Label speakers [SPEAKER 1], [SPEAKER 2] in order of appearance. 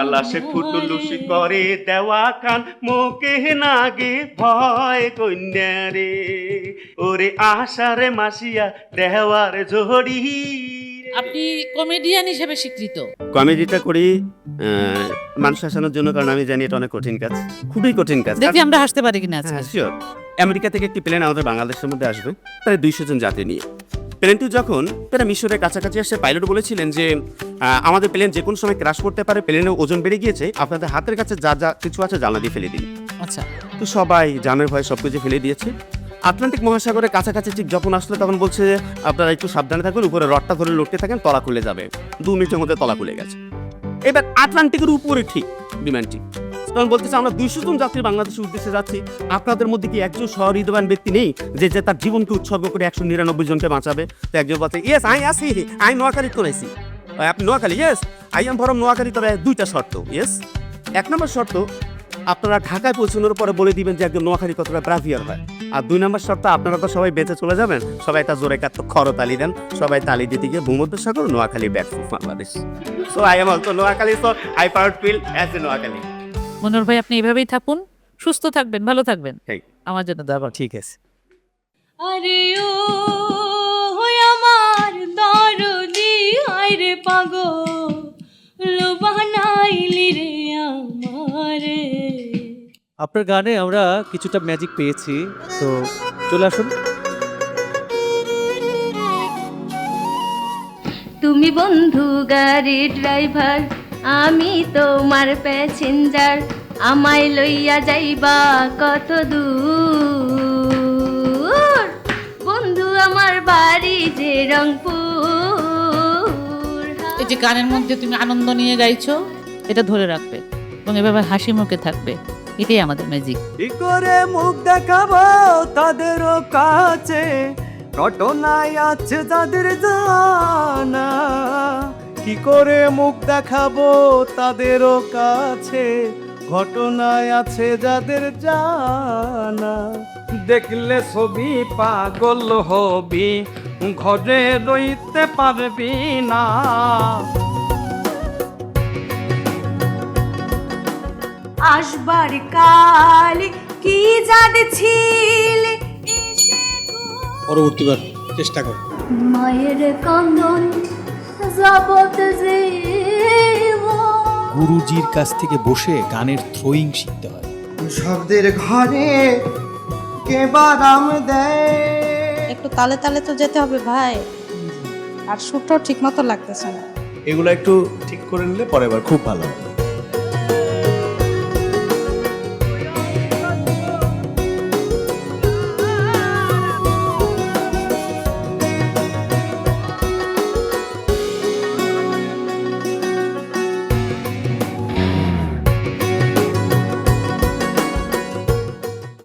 [SPEAKER 1] জালাসে ফুটুলুসি করে দেওয়া কান মোকে নাগে ভয় কন্যারে ওরে আশারে মাসিয়া দেওয়ার ঝড়ি।
[SPEAKER 2] আপনি কমেডিয়ান হিসেবে স্বীকৃত।
[SPEAKER 1] কমেডিটা করি মানুষ হাসানোর জন্য, কারণ আমি জানি এটা অনেক কঠিন কাজ, খুবই কঠিন কাজ।
[SPEAKER 2] দেখি আমরা হাসতে পারি কিনা।
[SPEAKER 1] হ্যাঁ শিওর। আমেরিকা থেকে একটি প্লেন আমাদের বাংলাদেশের মধ্যে আসবে প্রায় 200 জন যাত্রী নিয়ে। প্লেনটি যখন প্রায় মিশরের কাছাকাছি আসছে, পাইলট বলেছিলেন যে আমাদের প্লেন যে কোনো সময় ক্র্যাশ করতে পারে, প্লেনের ওজন বেড়ে গিয়েছে, আপনাদের হাতের কাছে যা যা কিছু আছে জানলা দিয়ে ফেলে দিন।
[SPEAKER 2] আচ্ছা,
[SPEAKER 1] তো সবাই জানের ভয়ে সব কিছু ফেলে দিয়েছে। আটলান্টিক মহাসাগরের কাছাকাছি ঠিক যখন আসলে তখন বলছে আপনারা একটু সাবধানে থাকুন, উপরে রডটা ধরে লড়তে থাকেন, তলা খুলে যাবে। 2 মিনিটের মধ্যে তলা খুলে গেছে। এবার আটলান্টিকের উপরে ঠিক বিমানটি তখন বলতেছে আমরা 200 জন যাত্রী বাংলাদেশের উদ্দেশ্যে যাচ্ছি, আপনাদের মধ্যে কি একজন সহৃদয়বান ব্যক্তি নেই যে যে তার জীবনকে উৎসর্গ করে 199 জনকে বাঁচাবে? তো একজন বলছে ইয়েস আই আসি, আই নোয়াখালী করেছি। আপনি Noakhali? Yes I am from Noakhali. তবে 2টা শর্ত। ইয়েস, 1 নম্বর শর্ত আপনারা ঢাকায় পৌঁছানোর পরে বলে দিবেন যে একজন নোয়াখালী কতটা ব্রাভিয়ার হয়। আর 2 নম্বর শর্ত আপনারা তো সবাই বেঁচে চলে যাবেন, সবাই একটা জোরে কাট খরতালি দেন, সবাই তালি দিতে গিয়ে ভূমধ্যসাগর Noakhali back to Bangladesh. So I am also Noakhali, so I proud feel as a Noakhali.
[SPEAKER 2] মনোর ভাই আপনি এভাবেই থাকুন, সুস্থ থাকবেন, ভালো থাকবেন।
[SPEAKER 1] ঠিক।
[SPEAKER 2] আমার জন্য দাবা।
[SPEAKER 1] ঠিক আছে।
[SPEAKER 3] আরে ও আমার দরদি হায়রে পাগল বানাইলি রে আমারে।
[SPEAKER 4] আপনার গানে আমরা কিছুটা ম্যাজিক পেয়েছি, তো চলে আসুন।
[SPEAKER 3] তুমি বন্ধু গাড়ি ড্রাইভার, আমি তোমার প্যাসেঞ্জার, আমায় লইয়া যাইবা কত দূর। বন্ধু আমার বাড়ি যে রংপুর।
[SPEAKER 2] এই যে গানের মধ্যে তুমি আনন্দ নিয়ে গাইছো, এটা ধরে রাখবে এবং এভাবে হাসি মুখে থাকবে, এটাই আমাদের ম্যাজিক।
[SPEAKER 4] কি করে মুখ দেখাবো তাদেরও কাছে, ঘটনায় আছে তাদের জানা। কি করে মুখ দেখাবো তাদেরও কাছে, ঘটনায় আছে যাদের জানা। দেখলে ছবি পাগল হবি, ঘরে রইতে পারবি না।
[SPEAKER 3] আসবার কাল কি জাদ ছিল,
[SPEAKER 5] পরবর্তীবার চেষ্টা কর।
[SPEAKER 3] মায়ের কান্দন জবত
[SPEAKER 5] গুরুজির কাছ থেকে বসে গানের থ্রোয়িং শিখতে হয়।
[SPEAKER 6] শব্দের ঘরে কে বারাম দেয়।
[SPEAKER 7] একটু তালে তালে তো যেতে হবে ভাই, আর সুরটাও ঠিক মতো লাগতেছে না।
[SPEAKER 5] এগুলো একটু ঠিক করে নিলে পরের বার খুব ভালো হবে।